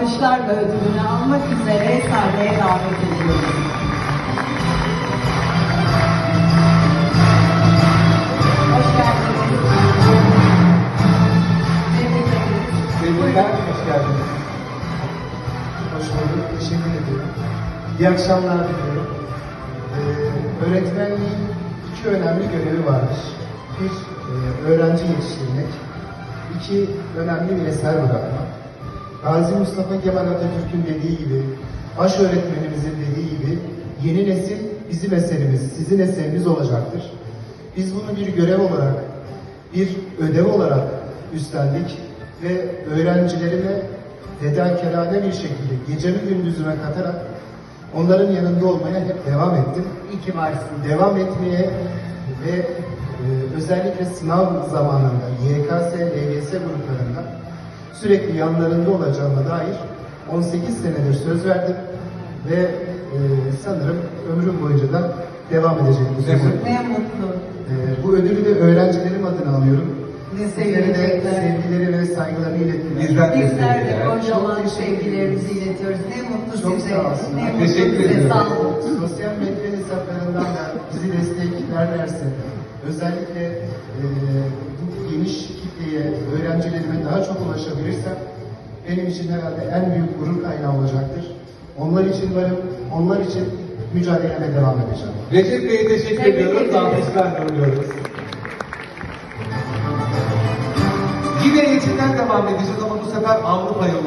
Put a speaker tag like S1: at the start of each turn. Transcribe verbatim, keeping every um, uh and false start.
S1: alkışlarla ödülünü almak üzere sahneye davet ediyorum. Hoş geldiniz. Tebrik ederiz.
S2: Tebrikler, hoş geldiniz. Hoş bulduk, teşekkür ederim. İyi akşamlar diliyorum. Ee, öğretmenliğin iki önemli görevi vardır. Bir, e, öğrenci yetiştirmek. İki, önemli bir eser bırakmak. Gazi Mustafa Kemal Atatürk'ün dediği gibi, baş öğretmenimizin dediği gibi, yeni nesil bizim eserimiz, sizin eseriniz olacaktır. Biz bunu bir görev olarak, bir ödev olarak üstlendik ve öğrencilerime fedakarane bir şekilde gecemi gündüzüme katarak onların yanında olmaya hep devam ettim.
S1: İyi ki varsın.
S2: Devam etmeye ve e, özellikle sınav zamanında Y K S, L G S gruplarında sürekli yanlarında olacağıma dair on sekiz senedir söz verdim ve e, sanırım ömrüm boyunca da devam edecek bu sözü.
S1: Ne mutlu.
S2: E, bu ödülü de öğrencilerim adına alıyorum.
S1: Ne
S2: Sizlere de
S1: sevecekler.
S2: sevgileri ve saygılarını ilettiler.
S3: Bizden de
S1: Bizler de
S3: sevgiler.
S1: kocaman
S2: Çok teşekkür
S1: sevgilerimizi iletiyoruz. Ne mutlu
S2: Çok
S1: size.
S2: sağ olsunlar.
S1: Ne mutlu
S3: Teşekkür
S1: size.
S3: ederim.
S1: Sağ olun.
S2: Sosyal medya hesaplarından da bizi desteklerlerse, özellikle e, bu geniş kitleye, öğrencilerime daha çok ulaşabilirsem benim için herhalde en büyük gurur kaynağı olacaktır. Onlar için varım, onlar için mücadeleme devam edeceğim.
S3: Recep Bey'e teşekkür
S1: Tebrik
S3: ediyoruz.
S1: ederim.
S3: Alkışlarla uğurluyoruz. Yine eğitimden devam edeceğiz ama bu sefer Avrupa yolu.